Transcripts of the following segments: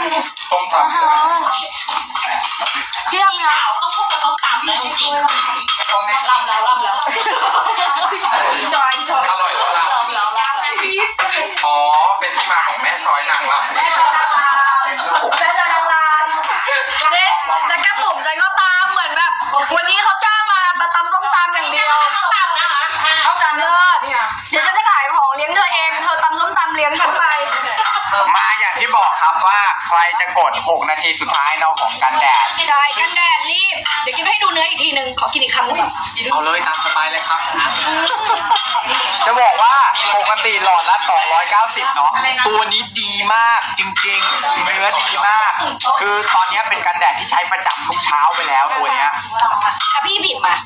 ส้มตำพี่ทำงานต้องพูดกับส้มตำเลยจริงๆลำแล้วจอยอร่อยแล้วอ๋อเป็นที่มาของแม่ช้อยนางรำแม่จอยนางรำแต่แก้มผมใจก็ตามเหมือนแบบวันนี้เขาจ้างมาตำส้มตำอย่างเดียวส้มตำนะคะเขาจานเลิศเดี๋ยวฉันจะขายของเลี้ยงเธอเองเธอตำส้มตำเลี้ยงฉันไปมาอย่างที่บอกครับว่าใครจะกด6นาทีสุดท้ายเนาะของกันแดดใช่กันแดดรีบเดี๋ยวกินให้ดูเนื้ออีกทีนึงขอกินอีกคำนึงเอาเลยตามสบายเลยครับจะบอกว่าปกติหลอดละ290เนาะตัวนี้ดีมากจริงๆเนื้อดีมากคือตอนนี้เป็นกันแดดที่ใช้ประจำทุกเช้าไปแล้วตัวเนี้ยพี่บีบมา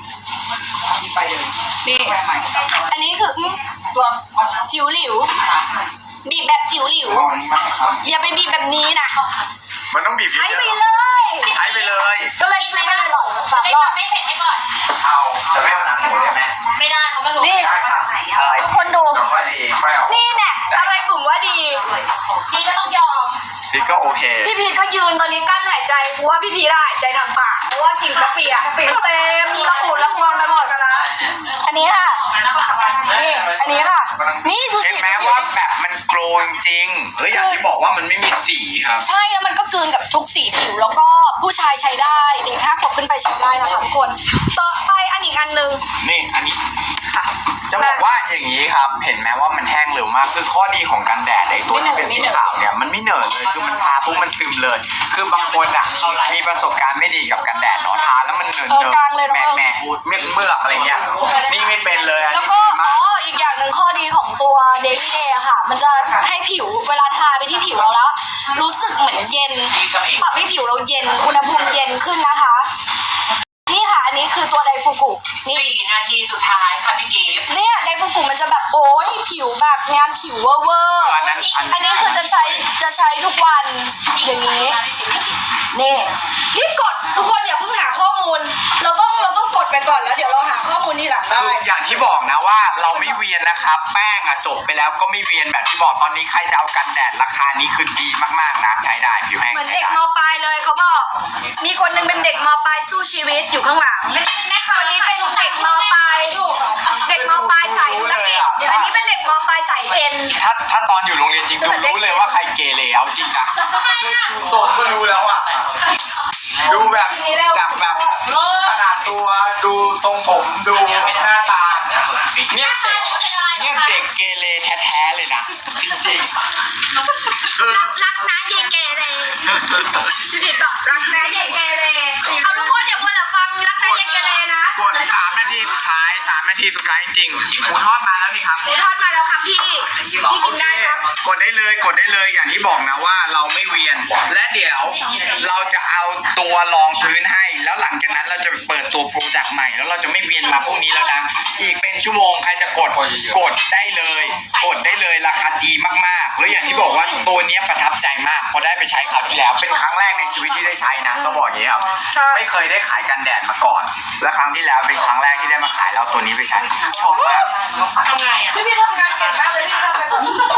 นี่อันนี้คือตัวจิ๋วหลิวบีบแบบจิ๋วหลิวอย่าไปบีบแบบนี้นะมันต้องบีบใช้ไปเลยก็เลยซื้อไปเลยหรอ3 รอบไม่เผ็ดให้ก่อนเอาจะไม่เอาหนังหมูได้ไหมไม่ได้เขาไม่รู้นี่ทุกคนดูนี่แน่อะไรกลุ่มว่าดีพี่ก็ต้องยอมพี่ก็โอเคพี่พีก็ยืนตอนนี้กั้นหายใจเพราะว่าพี่พีหายใจทางปากเพราะว่ากินกะปิเต็มละอุละควงไปหมดกันนะอันนี้ค่ะนี่อันนี้ค่ะนี่ดูสิแม้ว่าแบบมันโกลนจริงแล้วอย่างที่บอกว่ามันไม่มีสีครับใช่แล้วมันก็กลืนกับทุกสีผิวแล้วก็ผู้ชายใช้ได้เด็ก5 ขวบขึ้นไปใช้ได้นะคะทุกคนต่อไปอันอีกอันนึงนี่อันนี้จะบอกว่าอย่างนี้ครับเห็นไหมว่ามันแห้งเร็วมากคือข้อดีของกันแดดไอ้ตัวที่เป็นสีขาวเนี่ยมันไม่เหนอะเลยคือมันทาปุ๊บมันซึมเลยคือบางคนอ่ะมีประสบการณ์ไม่ดีกับกันแดดเนาะทาแล้วมันเหนอะแม่เมือกอะไรเงี้ยนี่ไม่เป็นเลยแล้วก็อีกอย่างหนึ่งข้อดีของตัว Daily Day ค่ะมันจะให้ผิวเวลาทาไปที่ผิวเราแล้วรู้สึกเหมือนเย็นปรับให้ผิวเราเย็นอุณหภูมิเย็นขึ้นนะคะนี่ค่ะอันนี้คือตัวไดฟูกุ 4 นาทีสุดท้ายค่ะพี่กีฟเนี่ยไดฟูกุมันจะแบบโอ้ยผิวแบบงานผิวเวอร์อันนี้คือจะใช้ทุกวันอย่างนี้นี่รีบกดทุกคนอย่าเพิ่งหาข้อมูลเราต้องกดไปก่อนแล้วเดี๋ยวเราหาข้อมูลนี่หลังได้อย่างที่บอกนะว่าเราไม่เวียนนะครับแป้งอะจบไปแล้วก็ไม่เวียนแบบที่บอกตอนนี้ใครจะเอากันแดดราคานี้คือดีมากๆนะใช้ได้ผิวแห้งเหมือนเด็กม.ปลายเลยเขาบอกมีคนนึงเป็นเด็กม.ปลายสู้ชีวิตอยู่ข้างหลังคนนี้เป็นเด็กม.ปลายสายธุรกิจอันนี้เป็นเด็กม.ปลายสายเอ็นถ้าตอนอยู่โรงเรียนจริงรู้เลยว่าใครเกเรเอาจริงนะโซนก็รู้แล้วอ่ะดูแบบจากแบบขนาดตัวดูทรงผมดูหน้าตาเนี่ยเด็กเกเรแท้ๆเลยนะจริงๆรักนะเยเกเรพี่ดิตอบรักนะเยเกเรเอาทุกคนอย่าพูดแต่ฟังรักนะเยเกเรนะกด3 นาทีสุดท้าย3 นาทีสุดท้ายจริงหมูทอดมาแล้วนี่ครับหมูทอดมาแล้วครับพี่กินได้ครับกดได้เลยอย่างที่บอกนะว่าเราไม่เวียนและเดี๋ยวเราจะเอาตัวรองพื้นให้แล้วหลังจากนั้นเราจะเปิดตัวโปรดักต์ใหม่แล้วเราจะไม่เวียนมาพวกนี้แล้วนะอีกเป็นชั่วโมงใครจะกดได้เลยราคาดีมากๆแล้วอย่างที่บอกว่าตัวนี้ประทับใจมากพอได้ไปใช้คราวที่แล้วเป็นครั้งแรกในชีวิตที่ได้ใช้นะต้องบอกอย่างนี้ครับไม่เคยได้ขายกันแดดมาก่อนและครั้งที่แล้วเป็นครั้งแรกที่ได้มาขายแล้วตัวนี้ไปใช้ชอบมากทำไงอ่ะพี่ทำงานเก่งมากเลยพี่ทำไปก่อน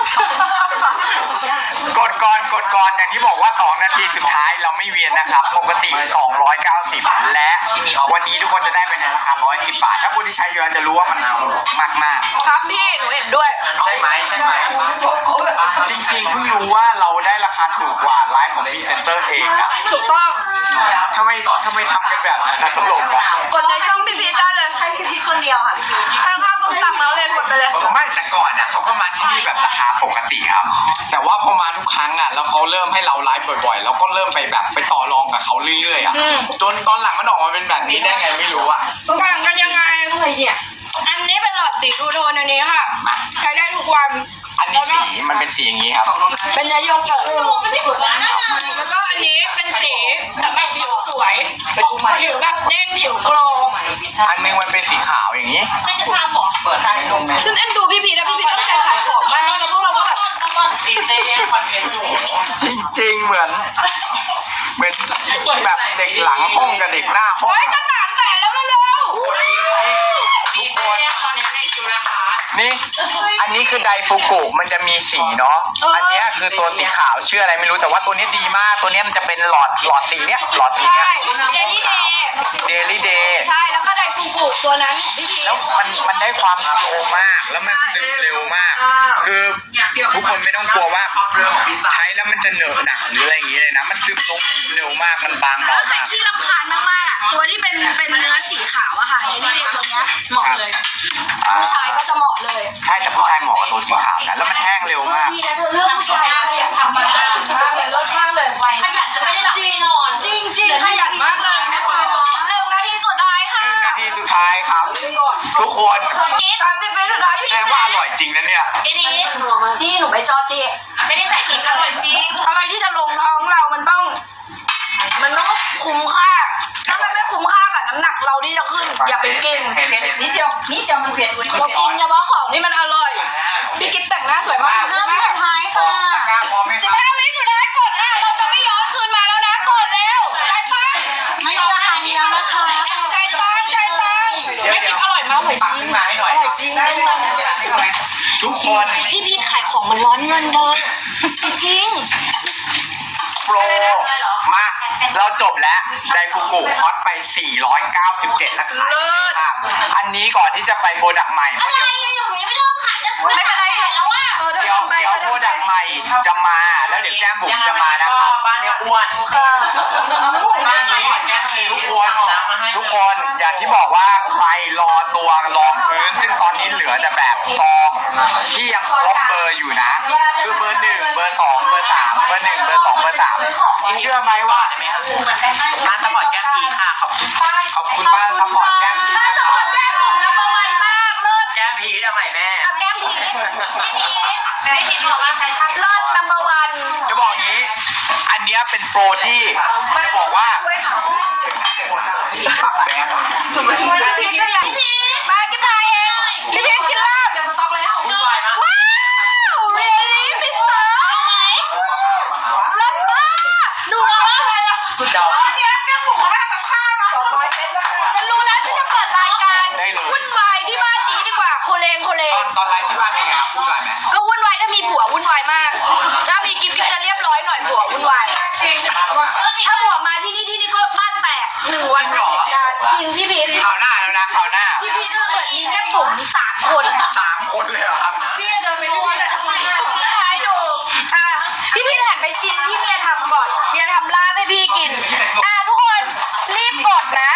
กดก่อนอย่างที่บอกว่า2 นาทีสุดท้ายเราไม่เวียนนะครับปกติ290และวันนี้ทุกคนจะได้เป็นในราคา110 บาทถ้าคนที่ใช้อยู่แล้วจะรู้ว่ามันถูกมากๆครับพี่หนูเห็นด้วยใช่ไหมจริงๆเพิ่งรู้ว่าเราได้ราคาถูกกว่าไลฟ์ของพรีเซนเตอร์เองอะถูกต้องทำไมทำกันแบบนั้นตลกอะกดในช่องพี่พีทได้เลยให้พี่พีทคนเดียวค่ะพี่พีทข้างๆต้องสั่งแล้วเลยกดไปเลยไม่แต่ก่อนเนี่ยเขาก็มาที่นี่แบบราคาปกติครับแต่ว่าพอมาทุกครั้งอ่ะแล้วเขาเริ่มให้เราไลฟ์บ่อยๆแล้วก็เริ่มไปแบบไปต่อรองกับเขาเรื่อยๆอ่ะจนตอนหลังมันออกมาเป็นแบบนี้ได้ไงไม่รู้อ่ะแบ่งกันยังไงอะไรเนี่ยอันนี้เป็นหลอดสีทูโทนอันนี้ค่ะใช้ได้ทุกวันอันนี้สีมันเป็นสีอย่างนี้ครับเป็นเนื้อโยเกิร์ตแล้วก็อันนี้เป็นสีแบบผิวสวยผิวแบบเด้งผิวโกลว์อันนึงมันเป็นสีขาวอย่างนี้ไม่ใช่ทำหรอเปิดให้ตรงนี้ฉันเอ็นดูพี่พีนะพี่พีต้องใจขายของมากแล้วพวกเราก็แบบสีเซเย่คอนเทนต์อยู่จริงๆเหมือนแบบเด็กหลังห้องกับเด็กหน้าห้องจะ300,000แล้วเร็วทุกคนนี่อันนี้คือไดฟูกุมันจะมีสีเนาะอันเนี้ยคือตัวสีขาวชื่ออะไรไม่รู้แต่ว่าตัวนี้ดีมากตัวนี้มันจะเป็นหลอดสีเนี้ยหลอดสีใช่เนี้ยเดลี่เดย์ Daily Day ใช่แล้วก็ไดฟูกุตัวนั้นพี่พีชแล้วมันได้ความโลมากแล้วมันซึมเร็วมาก คือทุกคนไม่ต้องกลัวว่าใช้แล้วมันจะเหนอะหนะหรืออะไรอย่างงี้เลยนะมันซึมลงเร็วมากมันบางแล้เบาวใครมากที่รำคาญมากๆอ่ะตัวที่เป็นเนื้อสีขาวอะค่ะเดลี่เดย์ตัวเนี้ยเหมาะเลยผู้ชายก็จะเหมาะเลยใช่แต่ผู้ชายเหมาะกับตัวสีขาวนะแล้วมันแห้งเร็วมากดีนะเธอเลือกผู้ชายขยันทำมากเลยลดมากเลยขยันจะไม่ได้หลับไม่นอนจริงขยันมากเลยนะคะเรื่องนาทีสุดท้ายค่ะ 1 นาทีสุดท้ายครับ ทุกคน 30 วิสุดท้ายพี่แสดงว่าอร่อยจริงนะเนี่ยทีนี้พี่หนูไม่จอจีไม่ได้ใส่ขิงอร่อยจริงอะไรที่จะลงท้องเรามันต้องคุ้มค่าถ้ามันไม่คุ้มค่ากับน้ำหนักเราที่จะขึ้นอย่าไปกินนิดเดียวมันเผ็ดเรากินเฉพาะของที่มันอร่อยพี่กิ๊บแต่งหน้าสวยมาก 5 วิสุดท้ายค่ะ 15 วิสุดท้ายกดเราจะไม่ย้อนคืนมาแล้วนะกดเร็วใจตั้งไม่มีราคาเดียวนะคะใจตั้งพี่กิ๊บอร่อยมากเลยจริงอร่อยจริงทุกคนพี่พีทขายของมันร้อนเงินเดินจริงโปรมาเราจบแล้วไดฟูกุฮอตไป 497แล้วขายค่ะอันนี้ก่อนที่จะไปโปรดักต์ใหม่เพราะอะไรเดี๋ยวอยู่หนูยังไม่เริ่มขายจะไม่เป็นไรแล้วว่าเธอเดี๋ยวทำไปโปรดักต์ใหม่จะมาแล้วเดี๋ยวแก้มบุ๋มจะมานะครับบ้านเนี้ยอ้วนอย่างนี้ทุกคนอย่างที่บอกว่าใครรอตัวรองพื้น ซึ่งตอนนี้เหลือแต่แบบซองที่ยังครบเบอร์อยู่นะ คือเบอร์ 1 เบอร์ 2 เบอร์ 3 เบอร์ 1 เบอร์ 2 เบอร์ 3 เชื่อไหมว่ามาสปอร์ตแก้มพีค่ะขอบคุณขอบคุณบ้านซัพพอร์ตแก้มพีถ้านะสคมรัมบติแก้มบุ๋มนัมเบอร์วันมากเลิศแก้มพีทำไมแม่เอาแก้มพีไม่พีทบอกว่าใครทำเลิศนัมเบอร์วันจะบอกอย่างนี้ อันเนี้ยเป็นโปรที่จะบอกว่าปักแบงค์พี่พีทก็อยากมากิ๊บทายเองพี่พีทกินลาบสต็อกแล้ววุ่นวายมากว้าว really มิสเตอร์เอาไหมเลิศมากดูว่าอะไรอ่ะสุดยอดฉันรู้แล้วฉันจะเปิดรายการวุ่นวายที่บ้านนี้ดีกว่าโคเลงตอนไลฟ์ที่บ้านเป็นไงครับพูดหน่อยไหมก็วุ่นวายถ้ามีผัววุ่นวายมาก ถ้ามีกิ๊บจะเรียบร้อยหน่อยผัววุ่นวายถ้าผัวมาที่นี่ก็บ้านแตก1 วันเหตุการณ์จริงพี่พีทข่าวหน้าแล้วนะข่าวหน้าพี่พีทจะเหมือนมีแก้มบุ๋ม3 คน 3 คนเลยเหรอครับพี่จะเดินไปทั่วเลยจะให้ดูพี่พีทหันไปชิมที่เมียทำก่อนเมียทำลาบให้พี่กินทุกคนรีบกดนะ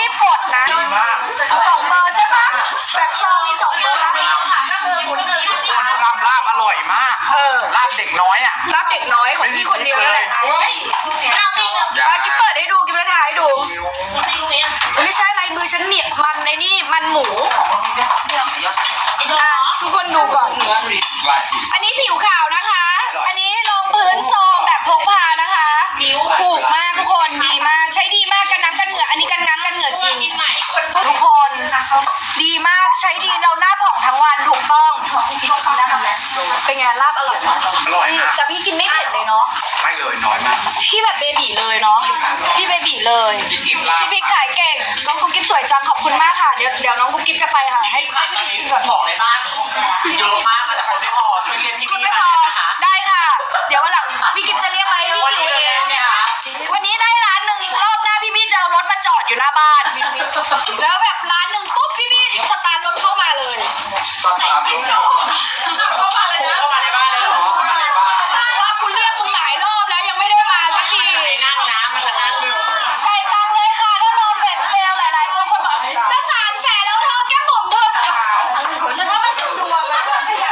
2 เบอร์ใช่ปะแบบซองมี2 เบอร์ค่ะก็คือ01 คนทำลาบอร่อยมากลาบเด็กน้อยอ่ะรับเด็กน้อยของพี่คนเดียวนั่นแหละเอาจริงเหรอกิ๊บเปิดให้ดูกิ๊บจะถ่ายให้ดูไม่ใช่ลายมือฉันเหนียบมันในนี่มันหมูทุกคนดูก่อน อันนี้ผิวขาวนะคะ อันนี้รองพื้นซองแบบพกพานะคะถูกมากทุกคนดีมากใช้ดีมากกันน้ำกันเหงื่ออันนี้กันน้ำกันเหงื่อจริง ทุกคนดีมากใช้ดีเราหน้าผ่องทั้งวันถูกต้องเป็นไงลาบอร่อยไหมอร่อยมากแต่พี่กินไม่เผ็ดเลยเนาะไม่เลยน้อยมากพี่แบบเบบีเลยเนาะพี่เบบีเลยพี่กิ๊บลาบพี่พีทขายเก่งน้องกุ๊กกิ๊บสวยจังขอบคุณมากค่ะเดี๋ยวน้องกุ๊กกิ๊บจะไปค่ะให้พี่พีทกินก่อนของในบ้านเยอะมากแต่คนไม่พอช่วยเรียกพี่คุณพี่ไม่พมาอนะคะได้ค่ะ เดี๋ยววันหลังพี่กิ๊บจะเรียกมาให้พี่วันคินี้วเลเอย งเนี่ยค่ะวันนี้ได้ร้านหนึ่งรอบหน้าพี่จะเอารถมาจอดอยู่หน้าบ้านแล้วแบบร้านหนึ่งปุ๊บพี่สตาร์ทรถเข้ามาเลยสตาร์ทรถเข้ามาเลยนะเข้ามาในบ้านเลยเหรอว่าคุณเรียกมึงหลายรอบแล้วยังไม่ได้มาสักทีไอ้นั่งนะมันจะนั่งหนึ่งจ่ายตังค์เลยค่ะถ้ารอเฟดเซลหลายๆตัวคนบอกจะ300,000แล้วเธอแก้มบุ๋มเธอฉันว่ามันเป็นดวงอะ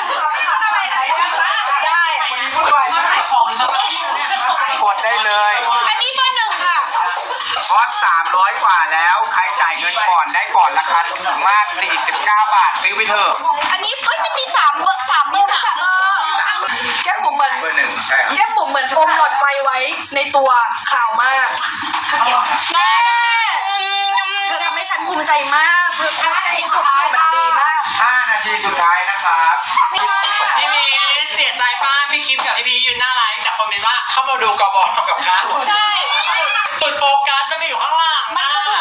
ได้วันนี้วุ่นวายมากขายของหรือเปล่ากดได้เลยอันนี้เบอร์1ค่ะฮอต300 กว่าแล้วใครจ่ายเงินก่อนได้ก่อนราคาถูกมาก49 บาทซื้อไปเถอะอันนี้มันมี3 เบอร์ค่ะแก้มบุ๋มเหมือนเบอร์ 1ใช่ครับแก้มบุ๋มเหมือนอมหลอดไฟไว้ในตัวขาวมากแม่เธอทำให้ฉันภูมิใจมากเธอทำให้สุดท้ายมันดีมาก 5 นาทีสุดท้ายนะครับพี่มีเสียใจป้าพี่คิมกับพี่พียืนหน้าไลน์แต่คอมเมนต์ว่าเข้ามาดูกบกับข้าวใช่สุดโฟกัสมันไปอยู่ข้างล่างมันคือถูก